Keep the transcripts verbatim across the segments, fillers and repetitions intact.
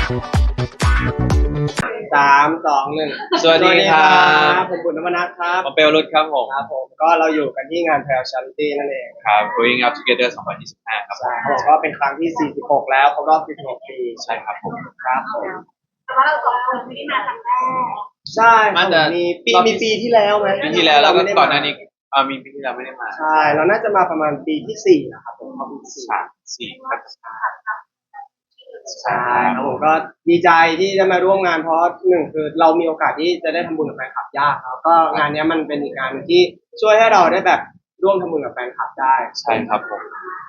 สามสองหนึ่งสวัสดีครับผมบุญนวนัทครับผมเปลรุดครับผมครับผมก็เราอยู่กันที่งานแพลชาริตี้นั่นเองครับ Growing Up Together สองพันยี่สิบห้าครับใช่เขาบอกว่าเป็นครั้งที่สี่สิบหกแล้วครบรอบสี่สิบหกปีใช่ครับผมครับผมแต่ว่าเราสองคนไม่ได้มาครั้งแรกใช่ครับมีปีมีปีที่แล้วไหมปีที่แล้วแล้วก็ก่อนหน้านี้อ่ามีปีที่แล้วไม่ได้มาใช่เราน่าจะมาประมาณปีที่สี่นะครับผมปีที่สี่สามสี่ครับใช่ครับผมก็ดีใจที่ได้มาร่วมงานเพราะหนึ่งคือเรามีโอกาสที่จะได้ทำบุญกับแฟนคลับยากครับก็งานนี้มันเป็นอีกงานที่ช่วยให้เราได้แบบร่วมทำบุญกับแฟนคลับได้ใช่ครับผม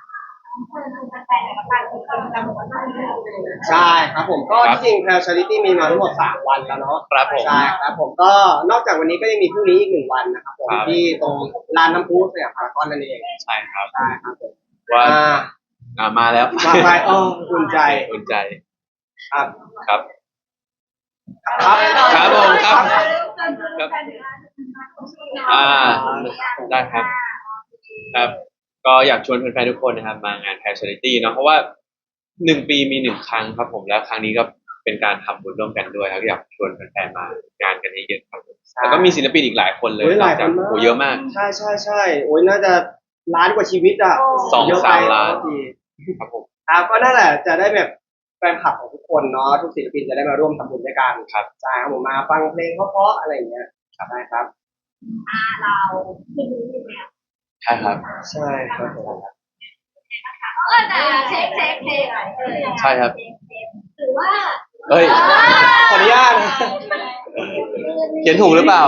ใช่ครับผมก็ที่จริงแพลชาริตี้มีมาทั้งหมดสามวันแล้วเนาะครับผมใช่ครับผมก็นอกจากวันนี้ก็ยังมีพรุ่งนี้อีกหนึ่งวันนะครับผมที่ตรงลานน้ำพุสยามพารากอนนั่นเองใช่ครับใช่ครับผมว่าอ่ามาแล้วมาไปอ๋ออุ่นใจอุ่นใจครับครับครับครับผมครับครับอ่าได้ครับครับก็อยากชวนแฟนๆทุกคนนะครับมางานแพลชาริตี้เนาะเพราะว่าหนึ่งปีมีหนึ่งครั้งครับผมแล้วครั้งนี้ก็เป็นการทำบุญร่วมกันด้วยครับอยากชวนแฟนๆมางานกันเยอะๆครับแล้วก็มีศิลปินอีกหลายคนเลยหลายคนมากโอ้เยอะมากใช่ใช่ใช่โอ้ยน่าจะล้านกว่าชีวิตอ่ะสองสามล้านครับผมครับก็นั่นแหละจะได้แบบแฟนคลับของทุกคนเนาะทุกศิลปินจะได้มาร่วมทำบุญด้วยกันครับใช่ครับผมมาฟังเพลงเพราะๆอะไรอย่างเงี้ยครับได้ครับอ่าเราไม่รู้อยู่แล้วใช่ครับใช่ครับผมก็จะเช็คเช็คเพลงใช่ครับหรือว่าเฮ้ยขออนุญาตเขียนถูกหรือเปล่า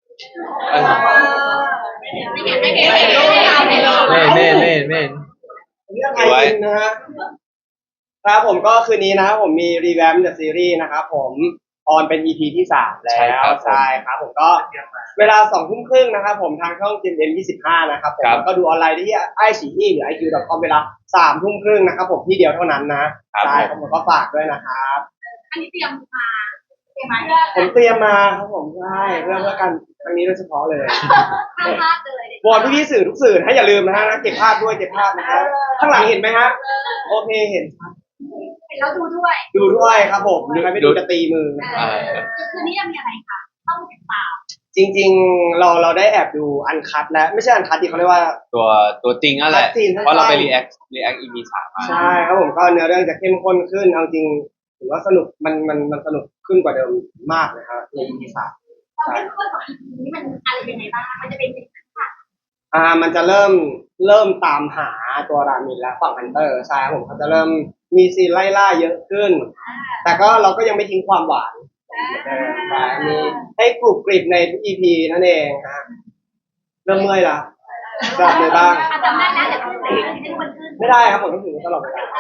ไม่เขียนไม่เขียนไม่เขียนไม่เขียนเม่เม่เม่ไว้นะฮะครับผมก็คืนนี้นะครับผมมีรีแวมป์เดอะซีรีส์นะครับผมออนเป็น อี พี ที่สามแล้วใช่ครับผมก็เวลาสองทุ่มครึ่งนะครับผมทางช่อง จี เอ็ม ยี่สิบห้านะครับผมก็ดูออนไลน์ได้ที่ไอซีอีหรือ ไอ คิว ดอท คอม เวลาสามทุ่มครึ่งนะครับผมที่เดียวเท่านั้นนะใช่ครับผมก็ฝากด้วยนะครับอันนี้เตรียมมาเตรียมมาผมเตรียมมาครับผมใช่เพื่อเพื่อกันครั้งนี้โดยเฉพาะเลยห้ามพลาดเลยวอนพี่ๆสื่อทุกสื่อให้อย่าลืมนะฮะเก็บภาพด้วยเก็บภาพนะครับข้างหลังเห็นไหมฮะโอเคเห็นเห็นแล้วดูด้วยดูด้วยครับผมหรือไม่ไปดูจะตีมือคืนนี้ยังมีอะไรคะต้องติดตามจริงๆเราเราได้แอบดูอันคัทแล้วไม่ใช่อันคัทที่เขาเรียกว่าตัวตัวจริงนั่นแหละเพราะเราไปรีแอครีแอค อี พี สามมาใช่ครับผมก็เนื้อเรื่องจะเข้มข้นขึ้นเอาจริงถือว่าสนุกมันมันมันสนุกขึ้นกว่าเดิมมากเลยครับใน อี พี สามความเข้มข้นของ อี พี นี้มันอะไรยังไงบ้างมันจะเป็นยังไงอ่ามันจะเริ่มเริ่มตามหาตัวรามินและฝั่งฮันเตอร์ใช่ครับผมเขาจะเริ่มมีซีนไล่ล่าเยอะขึ้นแต่ก็เราก็ยังไม่ทิ้งความหวานมีให้กรุบกริบในทุก อี พี นั่นเองฮะเริ่มเมื่อยละจับเลยบ้างจำได้แล้วแต่ขึ้นเลยให้มันขึ้นไม่ได้ครับผมต้องถือตลอดเวลา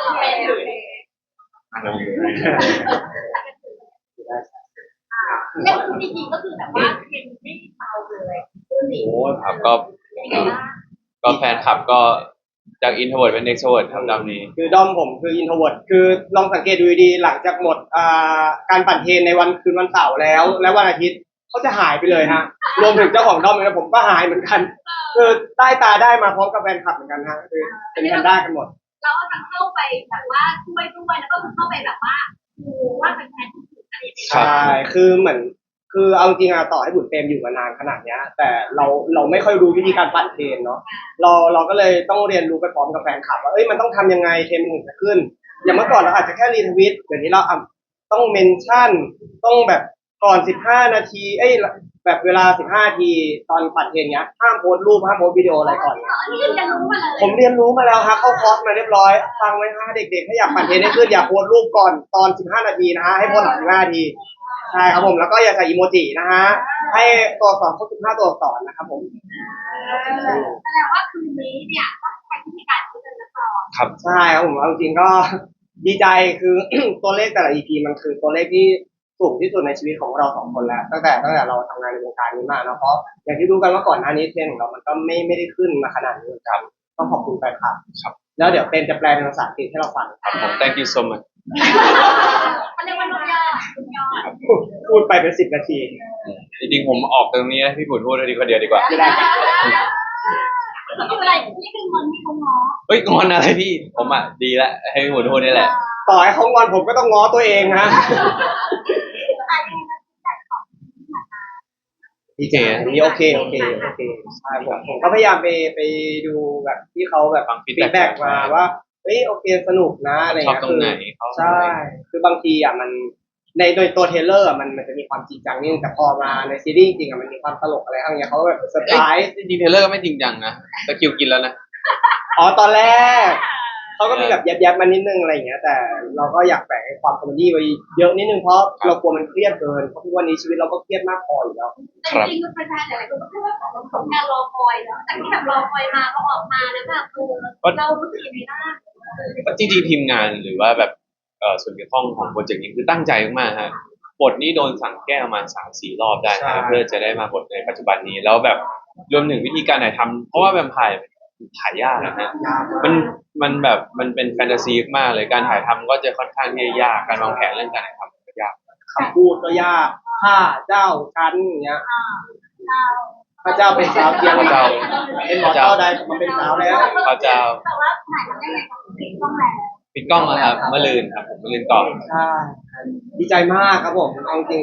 เล่นจริงๆก็คือแบบว่าเป็นไม่เบาเลยโอ้ครับก็ก็แฟนคลับก็จากอินโทรเวิร์ตเป็นเอ็กโทรเวิร์ตครับดอมนี้คือดอมผมคืออินโทรเวิร์ตคือลองสังเกตดูดีหลังจากหมดการปั่นเทรนในวันคืนวันเสาร์แล้วและวันอาทิตย์เขาจะหายไปเลยฮะรวมถึงเจ้าของดอมเองนะผมก็หายเหมือนกันคือใต้ตาได้มาพร้อมกับแฟนคลับเหมือนกันฮะคือเป็นแพนด้ากันหมดเราทั้งเข้าไปแบบว่าช่วยด้วยแล้วก็เข้าไปแบบว่าดูว่าเป็นแฟนที่สุดอะไรอย่างเงี้ยใช่คือเหมือนคือเอาจริงอะต่อให้บุญเต็มอยู่มานานขนาดนี้แต่เราเราไม่ค่อยรู้วิธีการปั่นเทรนเนาะเราเราก็เลยต้องเรียนรู้ไปพร้อมกับแฟนคลับว่าเอ้ยมันต้องทำยังไงเทรนมันถึงจะขึ้นอย่างเมื่อก่อนเราอาจจะแค่รีทวิตเดี๋ยวนี้เราต้องเมนชั่นต้องแบบก่อนสิบห้านาทีเอ้ยแบบเวลาสิบห้านาทีตอนปั่นเทรนเนี้ยห้ามโพสรูปห้ามโพสวิดีโออะไรก่อนผมเรียนรู้มาแล้วฮะเข้าคอร์สมาเรียบร้อยฟังไว้ฮะเด็กๆถ้าอยากปั่นเทรนให้ขึ้นอย่าโพสรูปก่อนตอนสิบห้านาทีนะฮะให้โพสหลังสิบห้านาทีใช่ครับผมแล้วก็อย่าใส่อีโมจินะฮะให้ตัวอักษรครบสิบห้าตัวอักษรนะครับผมแสดงว่าคืนนี้เนี่ยต้องใช้วิธีการคุยกันต่อครับใช่ครับผมเอาจริงก็ดีใจคือ ตัวเลขแต่ละ อี พี มันคือตัวเลขที่สูงที่สุดในชีวิตของเราสองคนแล้วตั้งแต่ตั้งแต่เราทำงานในวงการนี้มานะเพราะอย่างที่รู้กันว่าก่อนหน้านี้เทรนของเรามันก็ไม่ไม่ได้ขึ้นมาขนาดนี้ครับต้องขอบคุณแฟนคลับครับแล้วเดี๋ยวเป็นจะแปลเป็นภาษาอังกฤษให้เราฟังครับผม thank you so much มันเรียกว่านุ่มยอดนุ่มยอดพูดไปเป็นสิบนาทีจริงๆผมออกตรงนี้นะพี่บุญพูดดีกว่าเดียวดีกว่าไม่ได้คืออะไรนี่คือมันมีคนง้อเฮ้ยงอนอะไรพี่ผมอ่ะดีแล้วให้พี่บุญพูดนี่แหละต่อให้เขางอนผมก็ต้องง้อตัวเองนะพี่เจนี่โอเคโอเคโอเคใช่ผมผมก็พยายามไปไปดูแบบที่เขาแบบฟังฟีด feedback แบ็กมาว่าเฮ้ยโอเคสนุกนะอะไรชอบเงี้ยตรงไหนเขาใช่ คือบางทีอ่ะมันในโดยตัวเทรลเลอร์อ่ะมันมันจะมีความจริงจังนิดนึงแต่พอมาในซีรีส์จริงอ่ะมันมีความตลกอะไรอะไรเงี้ยเขาแบบเซอร์ไพรส์ดีเทลเลอร์ก็ไม่จริงจังนะตะคริวกินแล้วนะอ๋อตอนแรกเขาก็มีแบบแยบๆมานิดนึงอะไรอย่างเงี้ย แต่เราก็อยากแฝงความคอมเมดี้ไว้เยอะนิดนึงเพราะเรากลัวมันเครียดเกินเพราะทุกวันนี้ชีวิตเราก็เครียดมากพออยู่แล้วแต่จริงๆมันเป็นแฟนหลายๆคนก็พูดว่าของสมงานรอคอยแล้วแต่ที่แบบรอคอยมาก็ออกมาแล้วแบบคือเรารู้สึกยังไงบ้างจริงๆทีมงานหรือว่าแบบเอ่อส่วนเกี่ยวข้องของโปรเจกต์นี้คือตั้งใจมากๆฮะบทนี้โดนสั่งแก้ประมาณสามสี่รอบได้ใช่นะเพื่อจะได้มาบทในปัจจุบันนี้แล้วแบบรวมถึงวิธีการถ่ายทำเพราะว่าแวมไพร์ถ่ายยากนะฮะมันมันแบบมันเป็นแฟนตาซีมากเลยการถ่ายทำก็จะค่อนข้างที่จะยากการวางแผนเรื่องการถ่ายทำก็ยากคำพูดก็ยากข้าเจ้าชั้นอย่างเงี้ยเราพระเจ้าเป็นสาวเทียมพระเจ้าเป็นหมอเจ้าใดมาเป็นสาวแล้วพระเจ้าแต่ว่าถ่ายทำได้ไงของปิดกล้องแล้วปิดกล้องแล้วครับเมื่อลืนครับผมเมื่อลืนก่อนใช่ดีใจมากครับผมเอาจริง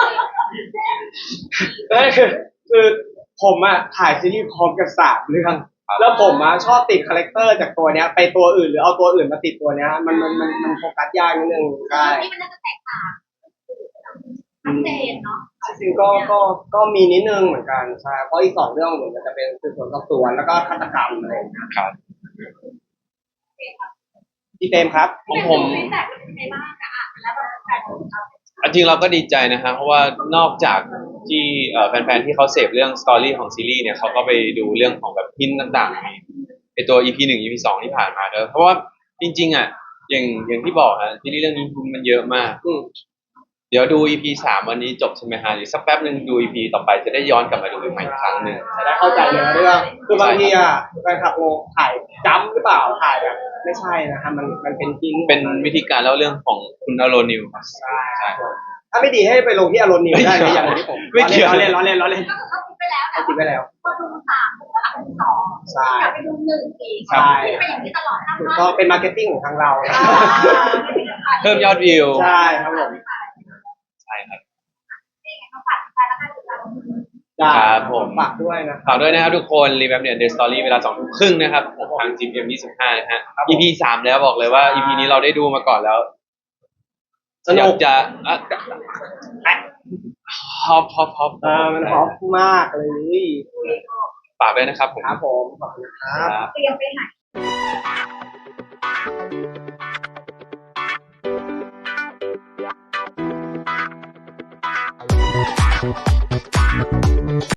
นั่นคือคือผมอะถ่ายซีรีส์พร้อมกันสามเรื่องแล้วผมอะชอบติดคาแรคเตอร์จากตัวเนี้ยไปตัวอื่นหรือเอาตัวอื่นมาติดตัวเนี้ยมันมันมันมันโฟกัสยากนิดนึงใช่นี่มันน่าจะแตกต่างชัดเจนเนาะจริงๆก็ก็ก็มีนิดนึงเหมือนกันใช่เพราะอีกสองเรื่องเหมือนกันจะเป็นสืบสวนสอบสวนแล้วก็ฆาตกรรมอะไรอย่างเงี้ยครับพี่เต็มครับของผมฟีดแบ็กเป็นยังไงบ้างอะอ่ะแล้วแบบแฟนของเราจริงๆเราก็ดีใจนะครับเพราะว่านอกจากที่เอ่อแฟนๆที่เขาเสพเรื่องสตอรี่ของซีรีส์เนี่ยเขาก็ไปดูเรื่องของแบบพินต่างๆในไอตัว อี พี หนึ่ง อี พี สองที่ผ่านมาเนอะเพราะว่าจริงๆอ่ะอย่างอย่างที่บอกฮะซีรีส์เรื่องนี้พินมันเยอะมากอืมเดี๋ยวดู อี พี สามวันนี้จบใช่ไหมฮะเดี๋ยวสักแป๊บหนึ่งดู อี พี ต่อไปจะได้ย้อนกลับมาดูใหม่อีกครั้งหนึ่งจะได้เข้าใจเนื้อเรื่องคือบางทีอ่ะแฟนคลับโงถ่ายจ้ำหรือเปล่าถ่ายแบบไม่ใช่นะครับมันมันเป็นพินเป็นวิธีการเล่าเรื่องของคุณอโรนิวครับใช่ครับผมถ้าไม่ดีให้ไปลงที่อารมณ์นิวได้นะอย่างที่ผมไม่เกี่ยวล้อเล่นล้อเล่นล้อเล่นก็คือเขาคิดไปแล้วแต่เอาคิดไปแล้วพอดูสามก็เอาดูสองใช่กลับไปดูหนึ่งอีกใช่เป็นอย่างนี้ตลอดทั้งถูกวันต้องเป็นมาร์เก็ตติ้งของทางเรานะเพิ่มยอดวิวใช่ครับผมใช่ครับฝากแฟนแล้วกันเราได้ครับผมฝากด้วยนะฝากด้วยนะครับทุกคนรีแวมเนี่ยเดอะสตอรี่เวลาสองทุ่มครึ่งนะครับผมทางจีเอ็มยี่สิบห้านะฮะครับผมอี พี สามแล้วบอกเลยว่า อี พี นี้เราได้ดูมาก่อนแล้วสนุกอยาจะอ่ะฮอปฮอปฮอปเออมันฮอปมากเลยฝากด้วยนะครับผมครับผมขอบคุณครับครับเตรียมไปไหน